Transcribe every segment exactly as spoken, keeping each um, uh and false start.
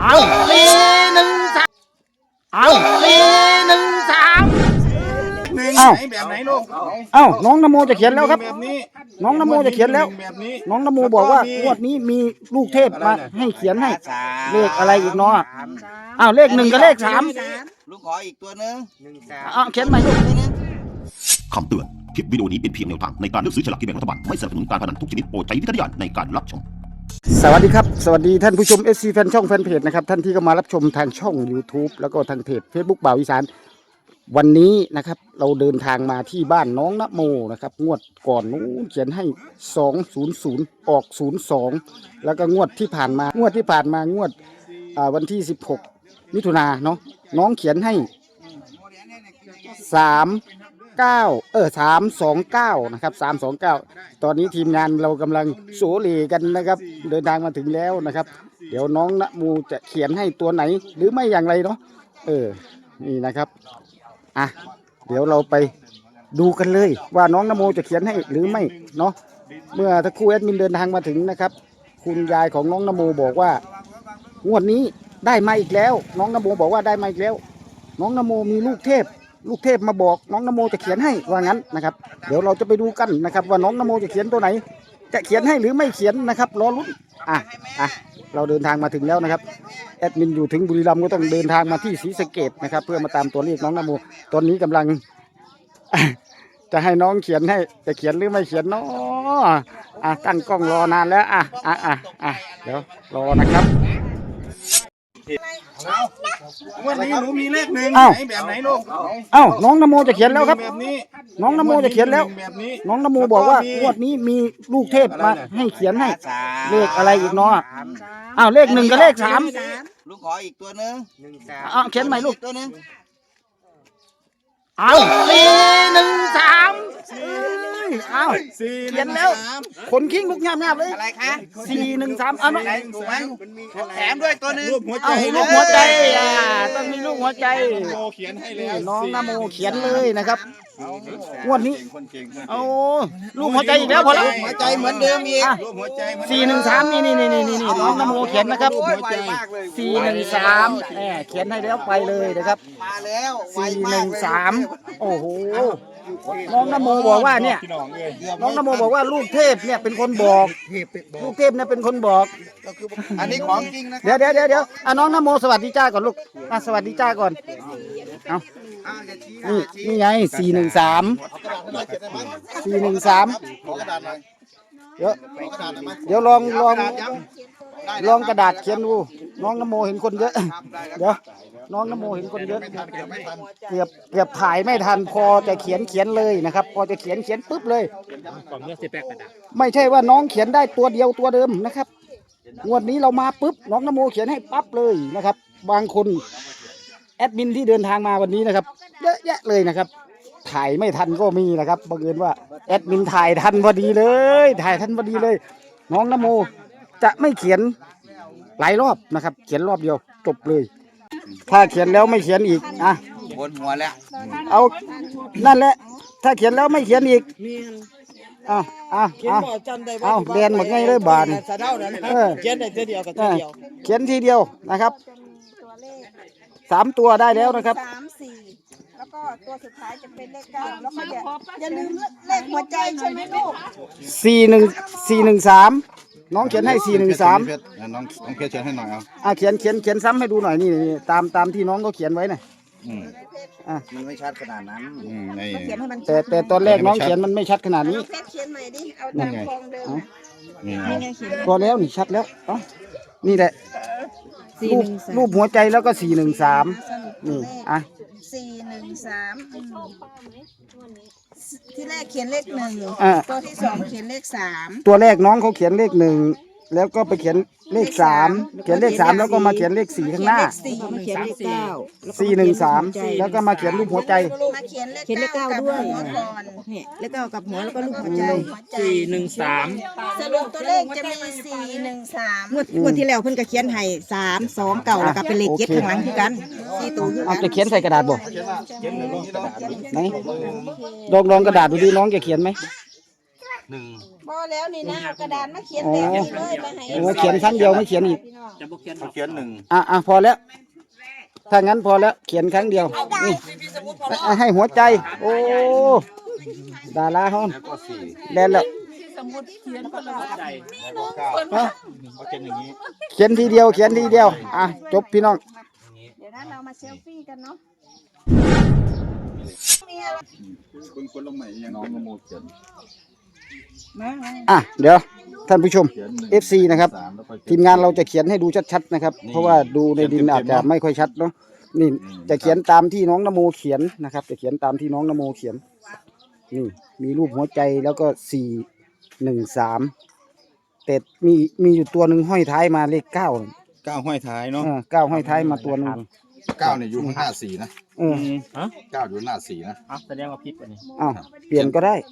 เอาสี่หนึ่งสามเอาสี่หนึ่งสามเอ้าแบบไหนลูกเอ้าน้องนโมจะเขียนแล้วครับน้องนโมจะเขียนแล้วน้องนโมบอกว่างวดนี้มีลูกเทพมาให้เขียนให้เลขอะไรอีกเนาะอ้าวเลขหนึ่งกับเลขสามลูกขออีกตัวนึงอ้าวเขียนใหม่ลูกคำเตือนคลิปวิดีโอนี้เป็นเพียงแนวทางในการเลือกซื้อฉลากกินแบ่งรัฐบาลไม่สนับสนุนการพนันทุกชนิดโปรดใช้วิจารณญาณในการรับชมสวัสดีครับสวัสดีท่านผู้ชม เอส ซี แฟนช่องแฟนเพจนะครับท่านที่เข้ามารับชมทางช่อง YouTube แล้วก็ทางเพจ Facebook บ่าวอีสานวันนี้นะครับเราเดินทางมาที่บ้านน้องนโมนะครับงวดก่อนนู้นเขียนให้สองศูนย์ศูนย์ออกศูนย์สองแล้วก็งวดที่ผ่านมางวดที่ผ่านมางวดวันที่สิบหกมิถุนายนเนาะน้องเขียนให้สามเก้าเออสามสองเก้านะครับสามสองเก้าตอนนี้ทีมงานเรากำลังโสเลกันนะครับเดินทางมาถึงแล้วนะครับเดี๋ยวน้องนโมจะเขียนให้ตัวไหนหรือไม่อย่างไรเนาะเออนี่นะครับอ่ะเดี๋ยวเราไปดูกันเลยว่าน้องนโมจะเขียนให้หรือไม่เนาะเมื่อทั้งคู่แอดมินเดินทางมาถึงนะครับคุณยายของน้องนโมบอกว่างวดนี้ได้มาอีกแล้วน้องนโมบอกว่าได้มาอีกแล้วน้องนโมมีลูกเทพลูกเทพมาบอกน้องนโมจะเขียนให้ว่างั้นนะครับเดี๋ยวเราจะไปดูกันนะครับว่าน้องนโมจะเขียนตัวไหนจะเขียนให้หรือไม่เขียนนะครับรอลุ้นอ่ะอ่ะเราเดินทางมาถึงแล้วนะครับแอดมินอยู่ถึงบุรีรัมย์ก็ต้องเดินทางมาที่ศรีสะเกษนะครับเพื่อมาตามตัวเลขน้องนโมตอนนี้กำลัง จะให้น้องเขียนให้จะเขียนหรือไม่เขียนเนาะอ่ะตั้งกล้องรอนานแล้วอ่ะอ่ะอ่ะอ่ะเดี๋ยวรอนะครับวันนี้หนูมีเลขหนึ่งแบบไหนลูกเอ้าน้องนโมจะเขียนแล้วครับน้องนโมจะเขียนแล้วน้องนโมบอกว่างวดนี้มีลูกเทพมาให้เขียนให้เลขอะไรอีกเนาะอ้าวเลขหนึ่งกับเลขสามลูกขออีกตัวนึงอ้าวเขียนใหม่ลูกตัวนึงเอาสี่หนึ่งสามเอาเขียนแล้วคนขิ้งลูกงามๆเลยอะไรคะสี่หนึ่งสามเอาน้องแถมด้วยตัวนึงเอาลูกหัวใจอ่าต้องมีลูกหัวใจเขียนให้แล้วน้องนโมเขียนเลยนะครับงวดนี้เอาลูกหัวใจอีกแล้วพอแล้วหัวใจเหมือนเดิมอีกสี่หนึ่งสามนี่นี่นี่นี่นี่น้องนโมเขียนนะครับสี่หนึ่งสามแหมเขียนให้แล้วไปเลยนะครับมาแล้วสี่หนึ่งสามโอ้โหน้องนโมบอกว่าเนี่ยน้องนโมบอกว่าลูกเทพเนี่ยเป็นคนบอกลูกเทพเนี่ยเป็นคนบอกอันนี้ของจริงนะเดี๋ยวเดี๋ยวเดี๋ยวเดี๋ยวอ่ะน้องนโมสวัสดีจ้าก่อนลูกอ่ะสวัสดีจ้าก่อนเอานี่นี่ไงสี่หนึ่งสามสี่หนึ่งสามเดี๋ยวเดี๋ยวลองลองลองกระดาษเขียนดูน้องนโมเห็นคนเยอะเดี๋ยวน้องนโมเห็นคนเยอะเกือบเกือบถ่ายไม่ทันพอจะเขียนเขียนเลยนะครับพอจะเขียนเขียนปุ๊บเลยไม่ใช่ว่าน้องเขียนได้ตัวเดียวตัวเดิมนะครับงวดนี้เรามาปุ๊บน้องนโมเขียนให้ปั๊บเลยนะครับบางคนแอดมินที่เดินทางมาวันนี้นะครับเยอะแยะเลยนะครับถ่ายไม่ทันก็มีนะครับบังเอิญว่าแอดมินถ่ายทันพอดีเลยถ่ายทันพอดีเลยน้องนโมจะไม่เขียนหลายรอบนะครับเขียนรอบเดียวจบเลยถ้าเขียนแล้วไม่เขียนอีกอ่ะบนหัวแล้วเอานั่นแหละถ้าเขียนแล้วไม่เขียนอีกอ้าวอ้าวอ้าวอ้าวเรียนหมดไงเลยบานเขียนได้ทีเดียวกับทีเดียวเขียนทีเดียวนะครับสามตัวได้แล้วนะครับสามสี่แล้วก็ตัวสุดท้ายจะเป็นเลขเก้าแล้วก็อย่าอย่าลืมเลขหัวใจใช่ไหมลูกสี่หนึ่งสี่หนึ่งสามน้องเขียนให้สี่หนึ่งสามน้องน้องเขียนให้หน่อยเอาอ่ะเขียนเขียนเขียนซ้ำให้ดูหน่อยนี่ตามตามที่น้องก็เขียนไว้น่ะอ่ะมันไม่ชัดขนาดนั้นแต่แต่ตอนแรกน้องเขียนมันไม่ชัดขนาดนี้เพชรเขียนใหม่ดิเอาตามฟองเดิมนี่ไงพอแล้วนี่ชัดแล้วอ๋อนี่แหละรูปรูปหัวใจแล้วก็สี่หนึ่งสามนี่อ่ะสี่หนึ่งสามที่แรกเขียนเลขหนึ่งตัวที่สองเขียนเลขสามตัวแรกน้องเขาเขียนเลขหนึ่งแล้วก็ไปเขียนเลขสามเขียนเลขสามแล้วก็มาเขียนเลขสี่ข้างหน้าสี่หนึ่งสามแล้วก็มาเขียนรูปหัวใจมาเขียนเลขเก้าด้วยเนี่ยเลขเก้ากับหัวแล้วก็รูปหัวใจสี่หนึ่งสามสรุปตัวเลขจะมีสี่หนึ่งสามงวดงวดที่แล้วเพิ่นก็เขียนให้สามสองเก้าแล้วก็เป็นเลขเจ็ดข้างหลังคือกันสี่ตัวคือกันจะเขียนใส่กระดาษบ่ไหนลองลองกระดาษดูดิน้องจะเขียนไหมหนึ่งบ่แล้วนี่นะเอากระดานมาเขียนแบบนี้เลยมาให้โอ้เขียนครั้งเดียวไม่เขียนอีกจะบอกเขียนเขาเขียนหนึ่งอ่ะอ่ะพอแล้ว ถ้างั้นพอแล้ว เขียนครั้งเดียวนี่อ่ะให้หัวใจ โอ้ดาราฮอนแล้วก็สี่แดนแล้วใจแล้วก็เก้าฮะเขาเขียนอย่างนี้เขียนทีเดียว เขียนทีเดียว อ่ะจบพี่น้องเดี๋ยวนั้นเรามาเซลฟี่กันเนาะคุณคุณลงใหม่ยังน้องนโมเขียนอ่ะเดี๋ยวท่านผู้ชมเขียนหนึ่งเอฟ ซี นะครับสามแล้วก็ทีมงานเราจะเขียนให้ดูชัดๆนะครับนี่เพราะว่าดูในดินอาจจะไม่ค่อยชัดเนาะนี่จะเขียนตามที่น้องนโมเขียนนะครับ จะเขียนตามที่น้องนโมเขียนนี่มีรูปหัวใจแล้วก็สี่หนึ่งสามแต่มีมีอยู่ตัวหนึ่งห้อยท้ายมาเลขเก้าเก้าห้อยท้ายเนาะเออเก้าห้อยท้ายมาตัวหนึ่งเก้าเนี่ยอยู่ข้างหน้าสี่นะเออฮะเก้าอยู่หน้าสี่นะอ๋อแสดงว่าผิดวันนี้อ้าวเปลี่ยนก็ได้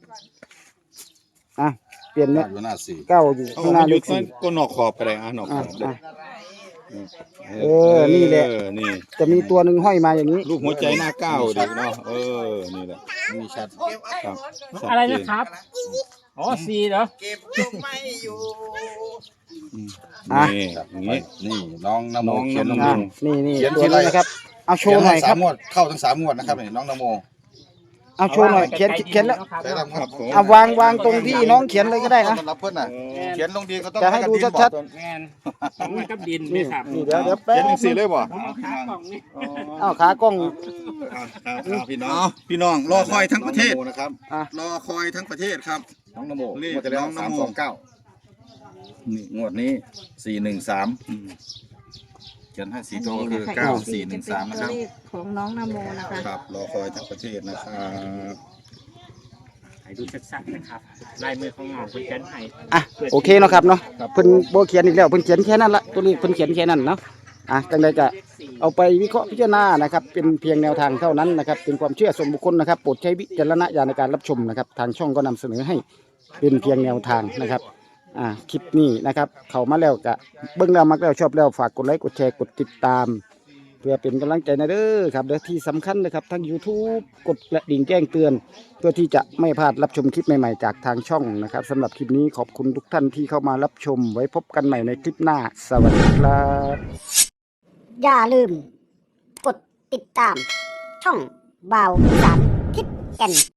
อ่ะเปลี่ยนเนี่เก้าย อยู่หน้าสี่เก้าอยู่ข้างหน้าเลขสี่ก็นอกขอบไปเลยอ่ะนอกขอ่ะอบเลยอ่ะเออนี่แหละเออนี่จะมีตัวหนึ่งห้อยมาอย่างนี้รูปหัวใจหน้าเก้าเด็กเนาะเออนี่แหละนี่ชัดครับชัดอะไรเจนะครับอ๋อซีเหรออ่ะนี่อย่างนี้นี่น้องนโมเขียนลงอ่ะมือนี่นี่เขียนตัวเขียนนี้อะไรนะครับ เอาโชว์หน่อยครับสามงวดเข้าทั้งสามงวดนะครับนี่น้องนโมเอาโชว์หน่อยเขียนเขียนแล้วใช่ครับครับผมเอาวางวางตรงที่น้องเขียนเลยก็ได้นะสำหรับเพื่อนน่ะเขียนลงดีเขาต้องจะให้ดูกระชัดแมนต้องมากับดินนี่นี่ครับนี่เดี๋ยวเดี๋ยวแป๊บเขียนหนึ่งสี่เลยบ่เอาขากล่องนี่เอาขากล้องพี่น้องพี่น้องรอคอยทั้งประเทศนะครับอ่ะรอคอยทั้งประเทศครับน้องนโมเลขงวดที่แล้วน้องนโมสามสองเก้านี่งวดนี้สี่หนึ่งสามเขียนให้สีโตวคืออันนี้นะคะเก้าอีกสี่หนึ่งสามนะครับจะเป็นตัวเลขของน้องนโมนะคะครับรอคอยทั้งประเทศนะครับให้ดูชัดๆนะครับลายมือของน้องเป็นกันให้อ่ะโอเคเนาะครับเนาะเพิ่นโบเขียนอีกแล้วเพิ่นเขียนแค่นั้นละตัวเลขเพิ่นเขียนแค่นั้นเนาะอ่ะจังใดก็เอาไปวิเคราะห์พิจารณานะครับเป็นเพียงแนวทางเท่านั้นนะครับเป็นความเชื่อส่วนบุคคลนะครับโปรดใช้วิจารณญาณในการรับชมนะครับทางช่องก็นำเสนอให้เป็นเพียงแนวทางนะครับอ่าคลิปนี้นะครับเข้ามาแล้วก็เบิ่งแล้วมักแล้วชอบแล้วฝากกดไลค์กดแชร์กดติดตาม เพื่อเป็นกำลังใจนะเด้อครับเด้อที่สำคัญนะครับทาง YouTube กดกระดิ่งแจ้งเตือน เพื่อที่จะไม่พลาดรับชมคลิปใหม่ๆจากทางช่องนะครับสำหรับคลิปนี้ขอบคุณทุกท่านที่เข้ามารับชมไว้พบกันใหม่ในคลิปหน้า สวัสดีครับอย่าลืม กดติดตาม ช่องบ่าวอีสานทิศแก่น